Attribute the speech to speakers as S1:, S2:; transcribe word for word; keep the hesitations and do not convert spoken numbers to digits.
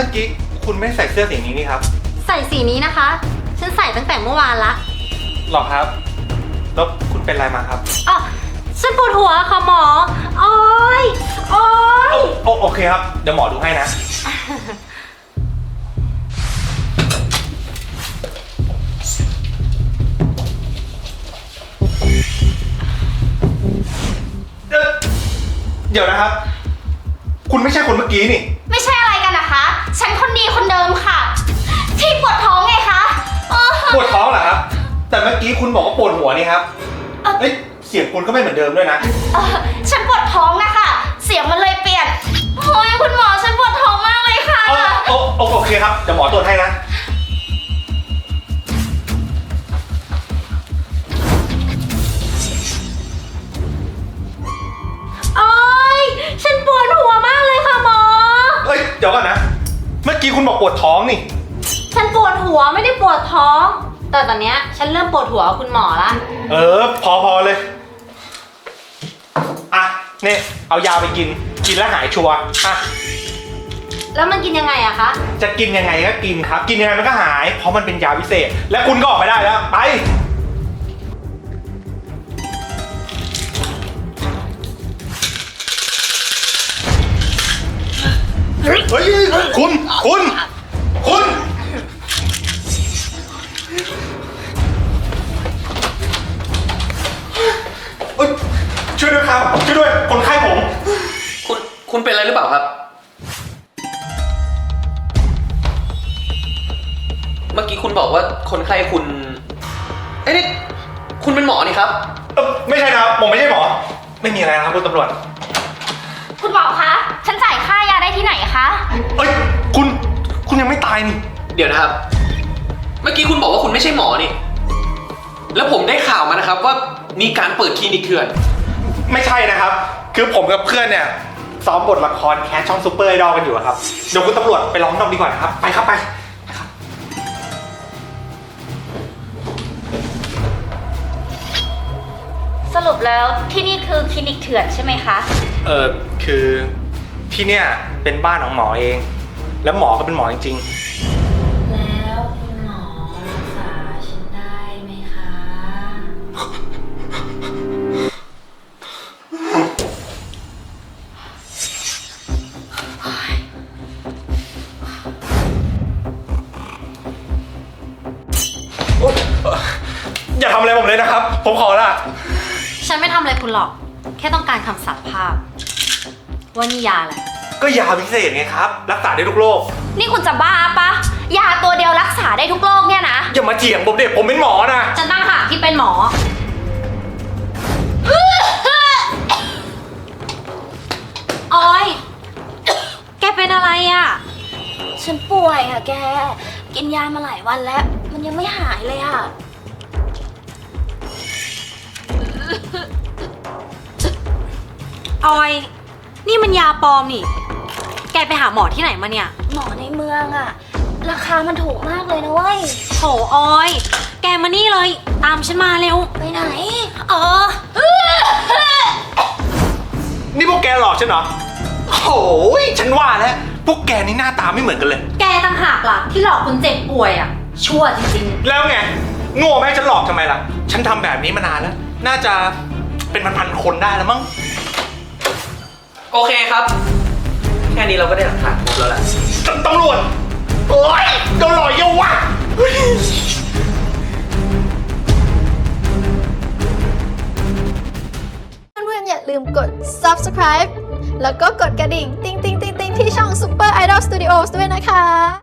S1: มื่อกี้คุณไม่ใส่เสื้อสีนี้นี่ครับ
S2: ใส่สีนี้นะคะฉันใส่ตั้งแต่เมื่อวานละ
S1: หรอครับแล้วคุณเป็นอะไรมาครับ
S2: อ๋อฉันปวดหัวค่ะหมอโอ๊ยโอ๊ย
S1: โอโอเคครับเดี๋ยวหมอดูให้นะเดี๋ยวนะครับคุณไม่ใช่คนเมื่อกี้นี่
S2: ไม่ใช่อะไรกันนะคะฉันคนดีคนเดิมค่ะที่ปวดท้องไงคะ
S1: ปวดท้องเหรอครับแต่เมื่อกี้คุณบอกว่าปวดหัวนี่ครับเอ้ยเสียงคุณก็ไม่เหมือนเดิมด้วยนะ
S2: ฉันปวดท้องนะคะเสียงมันเลยเปลี่ยนโอ้ยคุณหมอฉันปวดท้องมากเลยค่ะ
S1: โอโอโอเคครับเดี๋ยวหมอตรวจให้นะ
S2: โอ๊ยฉันปวดหัวมากเลยค่ะหมอ
S1: เฮ้ยเดี๋ยวก่อนนะเมื่อกี้คุณบอกปวดท้องนี่
S2: ฉันปวดหัวไม่ได้ปวดท้องแต่ตอนเนี้ยฉันเริ่มปวดหัวคุณหมอละ
S1: เออพอพอเลยอ่ะนี่เอายาไปกินกินแล้วหายชัวร์อ่ะ
S2: แล้วมันกินยังไงอะคะ
S1: จะกินยังไงก็กินครับกินยังไงมันก็หายเพราะมันเป็นยาพิเศษและคุณก็ออกไปได้แล้วไปเฮ้ยคุณคุณคุณช่วยด้วยครับช่วยด้วยคนไข้ผม
S3: คุณคุณเป็นอะไรหรือเปล่าครับเมื่อกี้คุณบอกว่าคนไข้คุณเอ้ยนี่คุณเป็นหมอนี่ครับ
S1: เออไม่ใช่นะครับผมไม่ใช่หมอไม่มีอะไรนะครับคุณตำรวจ
S2: คุณหมอคะฉันจ่ายค่ายาได้ที่ไหนคะ
S1: เอ้ยคุณคุณยังไม่ตายนี่
S3: เดี๋ยวนะครับเมื่อกี้คุณบอกว่าคุณไม่ใช่หมอนี่แล้วผมได้ข่าวมานะครับว่ามีการเปิดคลินิกเถื่อน
S1: ไม่ใช่นะครับคือผมกับเพื่อนเนี่ยซ้อมบทละครแคสช่องซูเปอร์ไอดอลกันอยู่ครับเดี๋ยวคุณตำรวจไปร้องนำดีกว่านะครับไปครับไป
S2: สรุปแล้วที่นี่คือคลินิกเถื่อนใช่ไหมคะ
S1: เออคือที่เนี่ยเป็นบ้านของหมอเองแล้วหมอก็เป็นหมอจริง
S2: ๆแล้วคุณหมอรักษาฉันได้ไหมคะ
S1: อย่าทำอะไรผมเลยนะครับผมขอละ
S2: ฉันไม่ทำอะไรคุณหรอกแค่ต้องการคำสารภาพว่านี่ยาอะไร
S1: ก็ยาพิเศษไงครับรักษาได้ทุกโรค
S2: นี่คุณจะบ้าปะยาตัวเดียวรักษาได้ทุกโรคเนี่ยนะ
S1: อย่ามาเถียงผมเด็กผมเป็นหมอนะ
S2: ฉันตั้งหากที่เป็นหมอออยแกเป็นอะไรอ่ะ
S4: ฉันป่วยอ่ะแกกินยามาหลายวันแล้วมันยังไม่หายเลยอ่ะ
S2: ออยนี่มันยาปลอมนี่แกไปหาหมอที่ไหนมาเนี่ย
S4: หมอในเมืองอ่ะราคามันถูกมากเลยนะเว้ย
S2: โถออยแกมานี่เลยตามฉันมาเร็ว
S4: ไปไหน
S2: เออ
S1: นี่พวกแกหลอกฉันเหรอโอ้ยฉันว่าแล้วพวกแกนี่หน้าตาไม่เหมือนกันเลย
S2: แกต่างหากล่ะที่หลอกคนเจ็บป่วยอ่ะชั่วจริง
S1: ๆแล้วไงโง่ไหมฉันหลอกทำไมล่ะฉันทำแบบนี้มานานแล้วน่าจะเป็นพันๆคนได้แล้วมั้ง
S3: โอเคครับแค่นี้เราก็ได้หลักฐานครบแล้วแหละ
S1: ตำรวจโอ้ยโดนหลอกเยอะวะ
S4: เพื่อนๆอย่าลืมกด ซับสไครบ์ แล้วก็กดกระดิ่งติ๊งติ๊งติ๊งติ๊งที่ช่อง Super Idol Studios ด้วยนะคะ